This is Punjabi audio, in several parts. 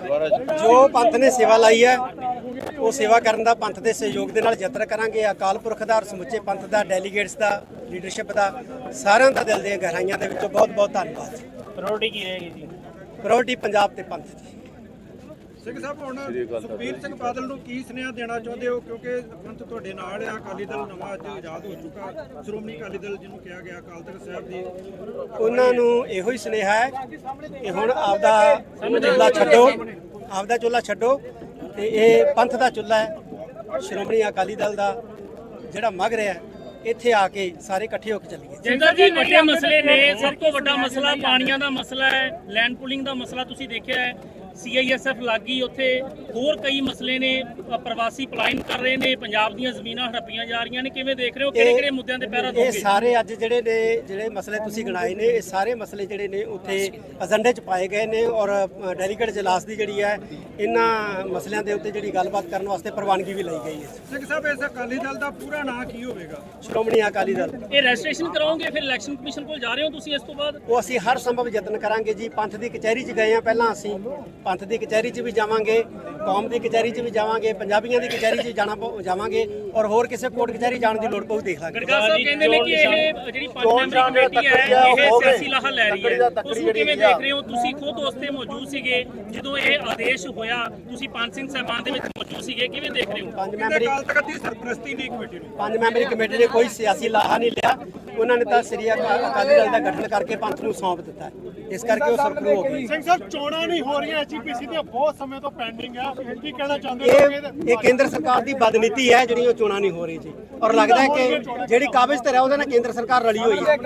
जो पंथ ने सेवा लाई है वो सेवा करने का पंथ के सहयोग के नाल यतन करांगे। अकाल पुरख का और समुचे पंथ का डेलीगेट्स का लीडरशिप का सारिਆਂ ਦਾ दिल ਦੀਆਂ गहराइयां ਦੇ ਵਿੱਚੋਂ बहुत बहुत धन्यवाद। प्रायोरिटी की रहेगी जी? प्रायोरिटी पंजाब ते पंथ दी। ਸਿੰਘ ਸਾਹਿਬ ਹੁਣ ਸੁਖਬੀਰ ਸਿੰਘ ਬਾਦਲ ਨੂੰ ਕੀ ਸੁਨੇਹਾ ਦੇਣਾ ਚਾਹੁੰਦੇ ਹੋ, ਕਿਉਂਕਿ ਪੰਥ ਤੁਹਾਡੇ ਨਾਲ ਆ, ਅਕਾਲੀ ਦਲ ਨਵਾਂ ਅੱਜ ਆਜ਼ਾਦ ਹੋ ਚੁੱਕਾ, ਸ਼੍ਰੋਮਣੀ ਅਕਾਲੀ ਦਲ ਜਿਹਨੂੰ ਕਿਹਾ ਗਿਆ ਅਕਾਲ ਤਖਤ ਸਾਹਿਬ ਦੀ, ਉਹਨਾਂ ਨੂੰ ਇਹੋ ਹੀ ਸੁਨੇਹਾ ਹੈ ਕਿ ਹੁਣ ਆਪਦਾ ਚੁੱਲ੍ਹਾ ਛੱਡੋ, ਆਪਦਾ ਚੁੱਲ੍ਹਾ ਛੱਡੋ ਤੇ ਇਹ ਪੰਥ ਦਾ ਚੁੱਲ੍ਹਾ ਹੈ, ਸ਼੍ਰੋਮਣੀ ਅਕਾਲੀ ਦਲ ਦਾ ਜਿਹੜਾ ਮਗ ਰਿਹਾ ਇੱਥੇ ਆ ਕੇ ਸਾਰੇ ਇਕੱਠੇ ਹੋ ਕੇ ਚੱਲੀਏ। ਜਿੰਦਾ ਜੀ ਵੱਡੇ ਮਸਲੇ ਨੇ, ਸਭ ਤੋਂ ਵੱਡਾ ਮਸਲਾ ਪਾਣੀਆਂ ਦਾ ਮਸਲਾ ਹੈ, ਲੈਂਡ ਪੂਲਿੰਗ ਦਾ ਮਸਲਾ ਤੁਸੀਂ ਦੇਖਿਆ ਹੈ, CISF ਲੱਗੀ ਉੱਥੇ, ਹੋਰ ਕਈ ਮਸਲੇ ਨੇ, ਪ੍ਰਵਾਸੀ ਪਲਾਇਨ ਕਰ ਰਹੇ ਨੇ, ਪੰਜਾਬ ਦੀਆਂ ਜ਼ਮੀਨਾਂ ਹੜੱਪੀਆਂ ਜਾ ਰਹੀਆਂ ਨੇ, ਕਿਵੇਂ ਦੇਖ ਰਹੇ ਹੋ, ਕਿਹੜੇ ਕਿਹੜੇ ਮੁੱਦਿਆਂ ਤੇ ਪਹਿਰਾ ਦੋਗੇ? ਇਹ ਸਾਰੇ ਅੱਜ ਜਿਹੜੇ ਮਸਲੇ ਤੁਸੀਂ ਗਿਣਾਏ ਨੇ, ਇਹ ਸਾਰੇ ਮਸਲੇ ਜਿਹੜੇ ਨੇ ਉੱਥੇ ਏਜੰਡੇ 'ਚ ਪਾਏ ਗਏ ਨੇ ਔਰ ਡੈਲੀਗੇਟ ਜਲਾਸ ਦੀ ਜਿਹੜੀ ਹੈ ਇਹਨਾਂ ਮਸਲਿਆਂ ਦੇ ਉੱਤੇ ਜਿਹੜੀ ਗੱਲਬਾਤ ਕਰਨ ਵਾਸਤੇ ਪ੍ਰਵਾਨਗੀ ਵੀ ਲਈ ਗਈ ਹੈ। ਸਿੰਘ ਸਾਹਿਬ ਇਸ ਅਕਾਲੀ ਦਲ ਦਾ ਪੂਰਾ ਨਾਂ ਕੀ ਹੋਵੇਗਾ? ਸ਼੍ਰੋਮਣੀ ਅਕਾਲੀ ਦਲ। ਇਹ ਰਜਿਸਟ੍ਰੇਸ਼ਨ ਕਰਾਓਗੇ ਫਿਰ ਇਲੈਕਸ਼ਨ ਕਮਿਸ਼ਨ ਕੋਲ ਜਾ ਰਹੇ ਹੋ ਤੁਸੀਂ ਇਸ ਤੋਂ ਬਾਅਦ? ਉਹ ਅਸੀਂ ਹਰ ਸੰਭਵ ਯਤਨ ਕਰਾਂਗੇ ਜੀ। ਪੰਥ ਦੀ ਕਚਹਿਰੀ 'ਚ ਗਏ ਆ ਪਹਿਲਾਂ, ਅਸੀਂ ਪੰਥ ਦੀ ਕਚਹਿਰੀ 'ਚ ਵੀ ਜਾਵਾਂਗੇ, ਕੌਮ ਦੀ ਕਚਹਿਰੀ 'ਚ ਵੀ ਜਾਵਾਂਗੇ, ਪੰਜਾਬੀਆਂ ਦੀ ਕਚਹਿਰੀ 'ਚ ਜਾਵਾਂਗੇ ਔਰ ਹੋਰ ਕਿਸੇ ਕੋਰਟ ਕਚਹਿਰੀ ਜਾਣ ਦੀ ਲੋੜ ਪਊ ਦੇਖ ਲਾਂਗੇ। ਗੜਗਾ ਸਾਹਿਬ ਕਹਿੰਦੇ ਨੇ ਕਿ ਇਹ ਜਿਹੜੀ 5 ਮੈਂਬਰੀ ਕਮੇਟੀ ਹੈ ਇਹ ਸਿਆਸੀ ਲਾਹਾ ਲੈ ਰਹੀ ਹੈ, ਉਸ ਨੂੰ ਕਿਵੇਂ ਦੇਖ ਰਹੇ ਹੋ? ਤੁਸੀਂ ਖੁਦ ਉਸ ਤੇ ਮੌਜੂਦ ਸੀਗੇ ਜਦੋਂ ਇਹ ਆਦੇਸ਼ ਹੋਇਆ, ਤੁਸੀਂ ਪੰਜ ਸਿੰਘ ਸਾਹਿਬਾਨ ਦੇ ਵਿੱਚ ਮੌਜੂਦ ਸੀਗੇ, ਕਿਵੇਂ ਦੇਖ ਰਹੇ ਹੋ? ਪੰਜ ਮੈਂਬਰੀ ਅਕਾਲ ਤਖਤ ਦੀ ਸਰਪ੍ਰਸਤੀ ਨਹੀਂ ਕਮੇਟੀ ਨੂੰ, 5 ਮੈਂਬਰੀ ਕਮੇਟੀ ਨੇ ਕੋਈ ਸਿਆਸੀ ਲਾਹਾ ਨਹੀਂ ਲਿਆ, ਉਹਨਾਂ ਨੇ ਤਾਂ ਸ੍ਰੀ ਅਕਾਲੀ ਦਲ ਦਾ ਗਠਨ ਕਰਕੇ ਪੰਥ ਨੂੰ ਸੌਂਪ ਦਿੱਤਾ, ਇਸ ਕਰਕੇ ਉਹ ਸਰਪਰੂ ਹੋ ਗਈ। ਸਿੰਘ ਸਾਹਿਬ ਚੋਣਾਂ ਨਹੀਂ ਹੋ ਰਹੀਆਂ, HPC ਦੀਆਂ ਬਹੁਤ ਸਮੇਂ ਤੋਂ ਪੈਂਡਿੰਗ ਆ, ਕੀ ਕਹਿਣਾ ਚਾਹੁੰਦੇ ਹੋ? ਇਹ ਕੇਂਦਰ ਸਰਕਾਰ ਦੀ ਬਦਨੀਤੀ ਹੈ ਜਿਹੜੀ ਉਹ ਚੋਣਾਂ ਨਹੀਂ ਹੋ ਰਹੀ ਜੀ, ਔਰ ਲੱਗਦਾ ਹੈ ਕਿ ਜਿਹੜੀ ਕਾਬਜ਼ ਤੇ ਹੈ ਉਹਦੇ ਨਾਲ ਕੇਂਦਰ ਸਰਕਾਰ ਰਲੀ ਹੋਈ ਹੈ।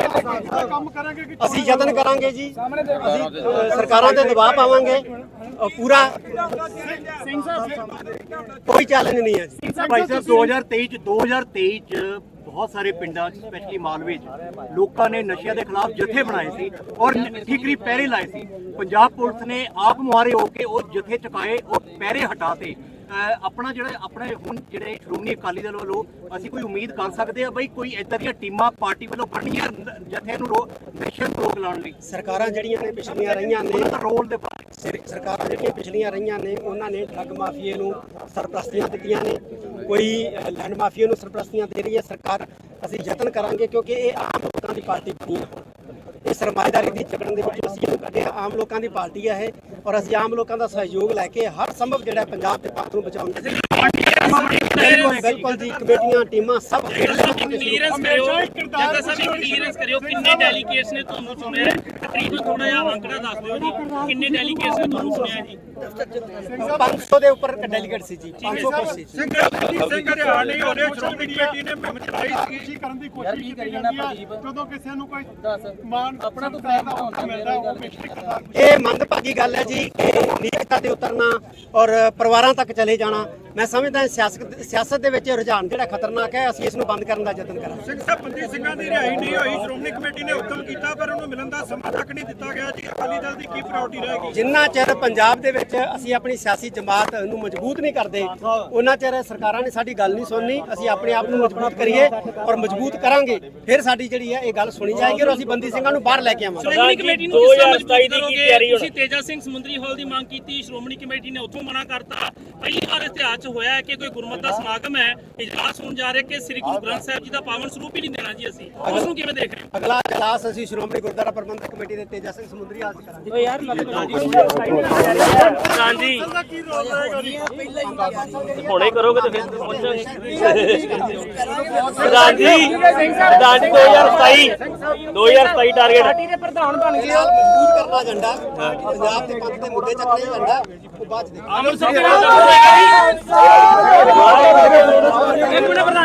ਕੰਮ ਕਰਾਂਗੇ ਕਿ ਅਸੀਂ ਯਤਨ ਕਰਾਂਗੇ ਜੀ, ਅਸੀਂ ਸਰਕਾਰਾਂ ਤੇ ਦਬਾਅ ਪਾਵਾਂਗੇ ਪੂਰਾ, ਕੋਈ ਚੈਲੰਜ ਨਹੀਂ ਹੈ ਜੀ। ਭਾਈ ਸਾਹਿਬ 2023 ਚ ਬਹੁਤ ਸਾਰੇ ਪਿੰਡਾਂ ਸਪੈਸ਼ਲੀ ਮਾਲਵੇ ਚ ਲੋਕਾਂ ਨੇ ਨਸ਼ਿਆਂ ਦੇ ਖਿਲਾਫ ਜਥੇ ਬਣਾਏ ਸੀ ਔਰ ਠੀਕਰੀ ਪਹਿਰੇ ਲਾਏ ਸੀ। ਪੰਜਾਬ ਪੁਲਿਸ ਨੇ ਆਪ ਮੁਹਾਰੇ ਹੋ ਕੇ ਉਹ ਜਥੇ ਚੁਕਾਏ, ਉਹ ਪਹਿਰੇ ਹਟਾਤੇ। ਆਪਣੇ ਹੁਣ ਜਿਹੜੇ ਸ਼੍ਰੋਮਣੀ ਅਕਾਲੀ ਦਲ ਵੱਲੋਂ ਅਸੀਂ ਕੋਈ ਉਮੀਦ ਕਰ ਸਕਦੇ ਆ ਬਈ ਕੋਈ ਇਦਾਂ ਦੀਆਂ ਟੀਮਾਂ ਪਾਰਟੀ ਵੱਲੋਂ ਬਣਨੀਆਂ ਜਥੇ ਨੂੰ ਨਸ਼ੇ ਨੂੰ ਰੋਕ ਲਾਉਣ ਲਈ? ਸਰਕਾਰਾਂ ਜਿਹੜੀਆਂ ਨੇ ਪਿਛਲੀਆਂ ਰਹੀਆਂ ਨੇ, ਰੋਲ ਦੇ ਸਰਕਾਰਾਂ ਜਿਹੜੀਆਂ ਪਿਛਲੀਆਂ ਰਹੀਆਂ ਨੇ ਉਹਨਾਂ ਨੇ ਠੱਗ ਮਾਫੀਏ ਨੂੰ ਸਰਪ੍ਰਸਤੀਆਂ ਦਿੱਤੀਆਂ ਨੇ, ਕੋਈ ਲੈਂਡ ਮਾਫੀਏ ਨੂੰ ਸਰਪ੍ਰਸਤੀਆਂ ਦੇ ਰਹੀ ਹੈ ਸਰਕਾਰ। ਅਸੀਂ ਯਤਨ ਕਰਾਂਗੇ ਕਿਉਂਕਿ ਇਹ ਆਮ ਲੋਕਾਂ ਦੀ ਪਾਰਟੀ ਬਣੀ ਹੈ, ਇਹ ਸਰਮਾਏਦਾਰੀ ਦੀ ਜਕੜਨ ਦੇ ਵਿੱਚ ਅਸੀਂ ਇਹਨੂੰ ਕੱਢਿਆ, ਆਮ ਲੋਕਾਂ ਦੀ ਪਾਰਟੀ ਹੈ ਇਹ, ਔਰ ਅਸੀਂ ਆਮ ਲੋਕਾਂ ਦਾ ਸਹਿਯੋਗ ਲੈ ਕੇ ਹਰ ਸੰਭਵ ਜਿਹੜਾ ਪੰਜਾਬ ਦੇ ਪੰਥ ਨੂੰ ਬਚਾਉਣ ਦੀ ਬਿਲਕੁਲ ਜੀ, ਕਮੇਟੀਆਂ ਟੀਮਾਂ ਸਭ ਕਲੀਅਰੈਂਸ ਕਰਿਓ, ਜੱਗਾ ਸਾਹਿਬ ਕਲੀਅਰੈਂਸ ਕਰਿਓ, ਕਿੰਨੇ ਡੈਲੀਗੇਟਸ ਨੇ ਤੁਹਾਨੂੰ ਚੁਣਿਆ? ਤਕਰੀਬਨ ਥੋੜਾ ਜਿਹਾ ਅੰਕੜਾ ਦੱਸ ਦਿਓ ਜੀ, ਕਿੰਨੇ ਡੈਲੀਗੇਟਸ ਨੇ ਤੁਹਾਨੂੰ ਚੁਣਿਆ ਜੀ? 500 ਦੇ ਉੱਪਰ ਡੈਲੀਗੇਟ ਸੀ ਜੀ, 500 ਕੁਰਸੀ ਸੀ। ਸਿੰਘ ਹਰਿਆਣਾ ਨਹੀਂ ਹੋ ਰਿਹਾ, ਸ਼੍ਰੋਮਣੀ ਕਮੇਟੀ ਨੇ ਮੁਹਿੰਮ ਚਲਾਈ ਸੀ ਕੀ ਕਰਨ ਦੀ ਕੋਸ਼ਿਸ਼ ਕੀਤੀ ਜਾਂਦੀ ਆ, ਜਦੋਂ ਕਿਸੇ ਨੂੰ ਕੋਈ ਮਾਨ ਆਪਣਾ ਤੋਂ ਫਾਇਦਾ ਮਿਲਦਾ ਉਹ ਪੇਸ਼ਕਸ਼ ਕਰਦਾ। ਇਹ ਮੰਦਭਾਗੀ ਗੱਲ ਹੈ ਜੀ ਕਿ ਨੀਚਤਾ ਤੇ ਉਤਰਨਾ ਔਰ ਪਰਿਵਾਰਾਂ ਤੱਕ ਚਲੇ ਜਾਣਾ। ਮੈਂ ਸਮਝਦਾ ਸਿਆਸਤ ਦੇ ਵਿੱਚ ਰੁਝਾਨ ਜਿਹੜਾ ਖਤਰਨਾਕ ਹੈ, ਅਸੀਂ ਇਸ ਨੂੰ ਬੰਦ ਕਰਨ ਦਾ ਯਤਨ ਕਰਾਂਗੇ। ਸਿੰਘ ਸਾਹਿਬ ਬੰਦੀ ਸਿੰਘਾਂ ਦੀ ਰਿਹਾਈ ਨਹੀਂ ਹੋਈ, ਸ਼੍ਰੋਮਣੀ ਕਮੇਟੀ ਨੇ ਹੁਕਮ ਕੀਤਾ ਪਰ ਉਹਨੂੰ ਮਿਲਣ ਦਾ ਸਮਾਂ ਤੱਕ ਨਹੀਂ ਦਿੱਤਾ ਗਿਆ ਜੀ, ਅਕਾਲੀ ਦਲ ਦੀ ਕੀ ਪ੍ਰਾਇੋਰਟੀ ਰਹੇਗੀ? ਜਿੰਨਾ ਚਿਰ ਪੰਜਾਬ ਦੇ ਵਿੱਚ ਅਸੀਂ ਆਪਣੀ ਸਿਆਸੀ ਜਮਾਤ ਨੂੰ ਮਜ਼ਬੂਤ ਨਹੀਂ ਕਰਦੇ ਉਹਨਾਂ ਚਿਰ ਸਰਕਾਰਾਂ ਨੇ ਸਾਡੀ ਗੱਲ ਨਹੀਂ ਸੁਣਨੀ। ਅਸੀਂ ਆਪਣੇ ਆਪ ਨੂੰ ਮਜ਼ਬੂਤ ਕਰੀਏ ਔਰ ਮਜ਼ਬੂਤ ਕਰਾਂਗੇ, ਫਿਰ ਸਾਡੀ ਜਿਹੜੀ ਹੈ ਇਹ ਗੱਲ ਸੁਣੀ ਜਾਏਗੀ ਔਰ ਅਸੀਂ ਬੰਦੀ ਸਿੰਘਾਂ ਨੂੰ ਬਾਹਰ ਲੈ ਕੇ ਆਵਾਂਗੇ। ਸ਼੍ਰੋਮਣੀ ਕਮੇਟੀ ਨੂੰ 2027 ਦੀ ਕੀ ਤਿਆਰੀ? ਤੁਸੀਂ ਤੇਜਾ ਸਿੰਘ ਸਮੁੰਦਰੀ ਹਾਲ ਦੀ ਮੰਗ ਕੀਤੀ, ਸ਼੍ਰੋਮਣੀ ਕਮੇਟੀ ਨੇ ਉੱਥੋਂ ਮਨਾ ਕਰਤਾ। ਪਹਿਲੀ ਵਾਰ ਇਤਿਹਾਸ 'ਚ ਹੋਇਆ ਹੈ ਕਿ ਕੋਈ ਗੁਰਮਤਿ ਦਾ ਸਮਾਗਮ ਹੈ, ਇਜਲਾਸ ਹੋਣ ਜਾ ਰਿਹਾ ਕਿ ਸ੍ਰੀ ਗੁਰੂ ਗ੍ਰੰਥ ਸਾਹਿਬ ਜੀ ਦਾ ਪਾਵਨ ਸਰੂਪ ਹੀ ਨਹੀਂ ਦੇਣਾ ਜੀ, ਅਸੀਂ ਉਸ ਨੂੰ ਕਿਵੇਂ ਦੇਖ ਰਹੇ ਹੋ? ਅਗਲਾ ਇਜਲਾਸ ਅਸੀਂ ਸ਼੍ਰੋਮਣੀ ਗੁਰਦੁਆਰਾ ਪ੍ਰਬੰਧਕ ਕਮੇਟੀ ਦੇ ਤੇਜਾ ਸਿੰਘ ਸਮੁੰਦਰੀ ਹਾਲ 'ਚ ਕਰਾਂਗੇ। ਓ ਯਾਰ ਹਾਂਜੀ ਹੁਣੇ ਕਰੋਗੇ ਤਾਂ ਫਿਰ ਪਹੁੰਚਾਂਗੇ। ਪ੍ਰਧਾਨ ਜੀ 2027 ਟਾਰਗੇਟ ਪਾਰਟੀ ਦੇ ਪ੍ਰਧਾਨ ਬਣ ਗਏ, ਮਜ਼ਬੂਤ ਕਰਨਾ ਏਜੰਡਾ, ਪੰਜਾਬ ਦੇ ਪੰਥ ਦੇ ਮੁੱਦੇ ਚੱਕਣੇ ਏਜੰਡਾ, ਉਹ ਬਾਅਦ ਚ ਦੇਖਾਂਗੇ।